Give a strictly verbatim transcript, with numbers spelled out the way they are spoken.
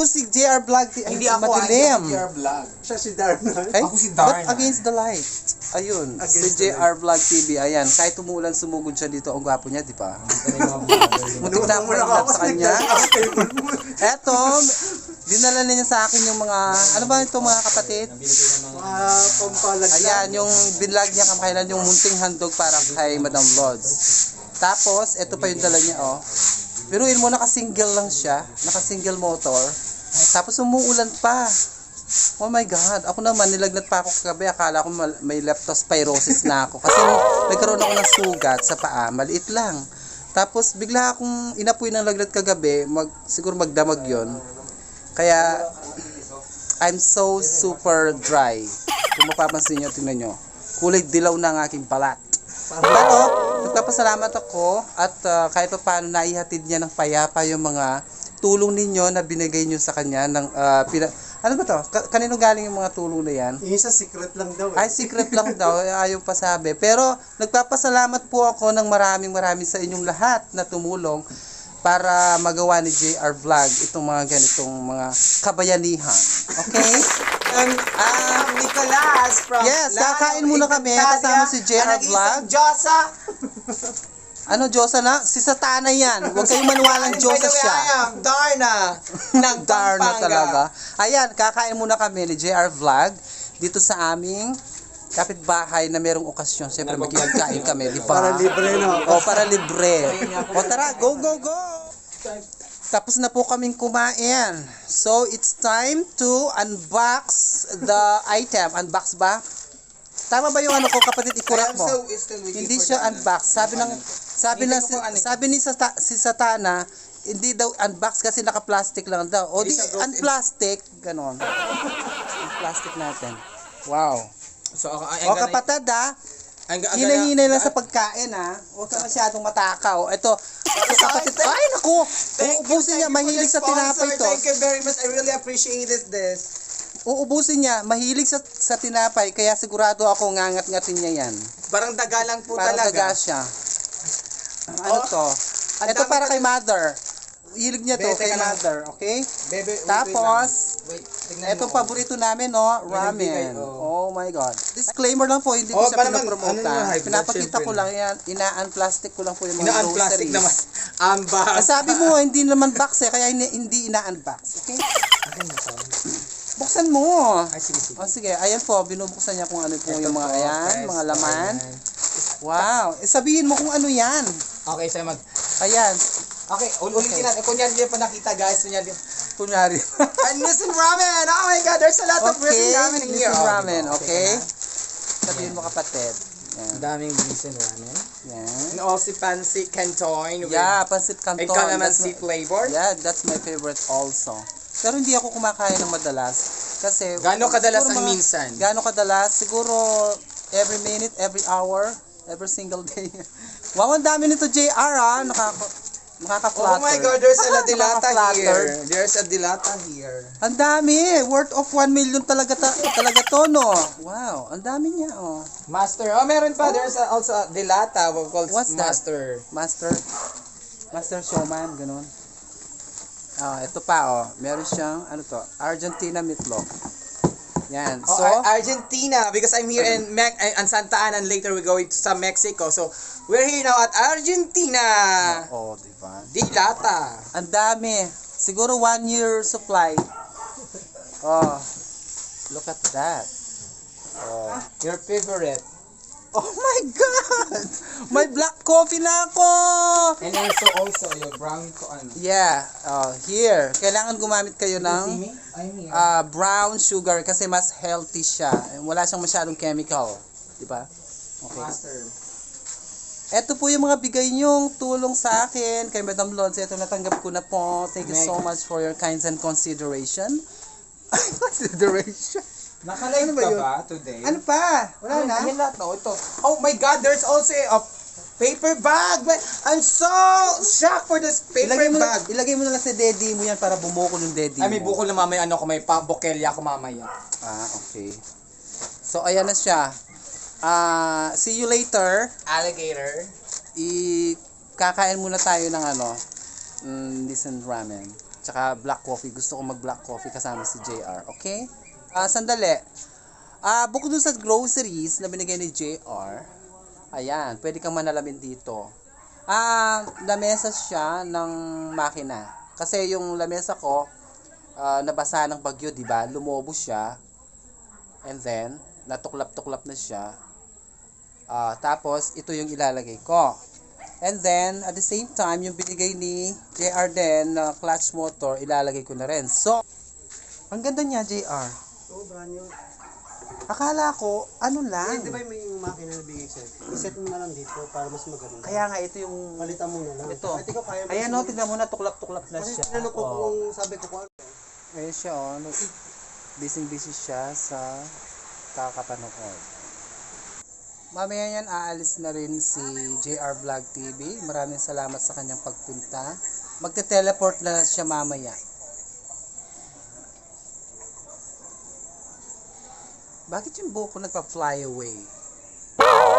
Si J R Vlog, ay, Hindi ako, madilim. hindi ako J R Vlog. Siya si Darna. Ay, Ako si Darna. but against the light. Ayun, Against si J R Vlog T V, ayan. Kahit umuulan, sumugod siya dito. Ang gwapo niya, di ba? Muntik na ako ma-inlove sa kanya. Eto, dinala niya sa akin yung mga, ano ba ito mga kapatid? Mga pampalag. Ayan, yung binlog niya kamakailan, yung munting handog para kay Madam Lods. Tapos, ito pa yung dala niya, oh. Biruin mo, naka-single lang siya. Naka-single motor. Tapos umuulan pa. Oh my God. Ako naman, nilagnat pa ako kagabi. Akala ko may leptospirosis na ako. Kasi nagkaroon ako ng sugat sa paa. Maliit lang. Tapos bigla akong inapoy ng lagnat kagabi. Mag, siguro magdamag yon. Kaya, I'm so super dry. Kung mapapansin nyo, tingnan nyo. Kulay dilaw na ang aking balat. Pero, nagpapasalamat ako at uh, kahit pa paano naihatid niya ng payapa yung mga tulong ninyo na binigay niyo sa kanya ng uh, pina, ano ba to? Ka- kanino galing yung mga tulong na yan? Yung isa secret lang daw. Ay, secret lang daw, ayaw pa sabi. Pero nagpapasalamat po ako ng maraming maraming sa inyong lahat na tumulong para magawa ni J R Vlog itong mga ganitong mga kabayanihan. Okay? Um, um, Nicolas from Yes, Lalo, kakain muna kami kasama si J R Vlog. Diyosa. Ano, Diyosa na? Si Satana yan. Huwag kayong maniwalang Diyosa siya. I am Darna. Ng Darna Pampanga. talaga. Ayan, kakain muna kami ni J R Vlog dito sa aming kapitbahay na merong okasyon. Siyempre, magkikain kami, di ba? Para libre, no? O, para libre. O, tara, go, go, go! Tapos na po kaming kumain. So, it's time to unbox the item. Unbox ba? Tama ba yung ano ko, kapatid, I i-correct am mo? so still waiting Hindi for siya the- unbox. Sabi ng sabi Hindi na ko si, po ano. sabi ni Sata, si Satana, hindi daw unbox kasi naka-plastic lang daw. O di Hindi siya broken. unplastic, ganon. Unplastic natin. Wow. So, ako, ay, O kapatid ha, hinahinay lang sa pagkain ha. Huwag ka masyadong matakaw. Ito, ito kapatid, ay naku, uubusin niya, mahilig sa tinapay to. Thank you very much. I really appreciated this. Uubusin niya, mahilig sa, sa tinapay, kaya sigurado ako ngangat-ngatin niya yan. Parang daga lang po Parang daga talaga. siya. Ano Oh, to? ang Ito dami para ko- kay mother. Hilig niya to Be, kay teka lang. mother, okay? Bebe, wait, Tapos, wait, tingnan ito mo. paborito namin, no? nagbigay, Ramen. oh. Oh my God. Disclaimer lang po, hindi ko Oh, siya para naman, pinapromote. ano naman, high blood, Pinapakita ko syempre. lang yan. Ina-unplastic ko lang po yung mga Ina-unplastic groceries. naman. Amba. Ah, sabi mo, hindi naman box eh, kaya hindi, hindi ina-unbox. Okay? Akin na to. Buksan mo. Ay, sige, sige. O sige, ayan po, binubuksan niya kung ano po Ito yung mga po, ayan, guys. mga laman. Ayan. Wow. Eh, sabihin mo kung ano yan. Okay, so mag... Ayan. Okay, ulitin natin. Kunyari niyo pa nakita, guys. Kunyari. Kunyari. And Nissan Ramen! Oh my God, there's a lot of Okay, Nissan Ramen in here. Nissan Oh, Ramen, diba? okay? na. Sabihin mo kapatid. Yan. Ang daming Nissan Ramen. Yan. And also fancy canton with Yeah, pancit canton. a calamancy That's my- flavor. Yeah, that's my favorite also. Pero hindi ako kumakain ng madalas. Kasi... Gaano kadalas siguro ang mga- minsan? Gaano kadalas? Siguro every minute, every hour, every single day. Wow, ang dami nito J R ah. Nakaka... Nakaka-flatter. Oh my God, there's a dilata Nakaka-flatter. here. There's a dilata here. Ang dami. Worth of one million talaga ta- talaga to, no? Wow, ang dami niya, oh. Master. Oh, meron pa. There's a, also a dilata. We call What's that? master. Master, Master Showman, ganun. Ah, ito pa, oh. Meron siyang, ano to, Argentina meatloaf. Yan. Oh, So, Ar- Argentina, because I'm here in Me- uh, in Santa Ana and later we're going to sa Mexico. So, we're here now at Argentina. oh, di ba? Dilata. Ang dami. Siguro one year supply. Oh, look at that. Oh. Your favorite. Oh my God! May black coffee na ako! And also, also, your brown ko ano. Yeah, oh, here. Kailangan gumamit kayo See ng me? I'm here. uh, brown sugar kasi mas healthy siya. Wala siyang masyadong chemical. Di ba? Okay. Master. Ito po yung mga bigay niyong tulong sa akin kay Madam Lods. Ito natanggap ko na po. Thank you so much for your kinds and consideration. Consideration? Nakalive Ano ba ka yun? ba today? Ano pa? Wala na? Ayan lahat, no? Ito. Oh my God, there's also a paper bag. But I'm so shocked for this paper Ilagay mo, na, bag. ilagay mo na lang sa daddy mo yan para bumukol yung daddy Ay, may mo. bukol na mamaya. Ano ko, may pa bokelya ako mamaya. Ah, okay. So, ayan na siya. Ah, see you later. Alligator. I kakain muna tayo ng ano, mm, Nissan Ramen. Tsaka tsaka black coffee. Gusto ko mag black coffee kasama si J R. Okay? Ah, sandali. Ah, bukod dun sa groceries na binigay ni J R, ayan, pwede kang manalamin dito. Ah, lamesa siya ng makina. Kasi yung lamesa ko, ah, nabasa ng bagyo, di ba? Lumobo siya. And then, natuklap-tuklap na siya. Ah, tapos, ito yung ilalagay ko. And then, at the same time, yung binigay ni J R din na clutch motor, ilalagay ko na rin. So, ang ganda niya, J R. Oo, brand new. Akala ko, ano Eh, lang. di ba may makina na bigay sa'yo? I-set mo na lang dito para mas maganda. Kaya nga, ito yung... Palitan mo na lang. Ito. Kahit ikaw kaya mo. Ayan o, tignan mo na, tuklap-tuklap na Kasi siya. tinanong ko Oh. kung sabi ko kung ano. Ayan siya o. Oh. Busy-busy siya sa kakapanood. Mamaya yan, aalis na rin si J R Vlog T V. Maraming salamat sa kanyang pagpunta. Magte-teleport na siya mamaya. Bakit yung buhok ko nagpa-fly away?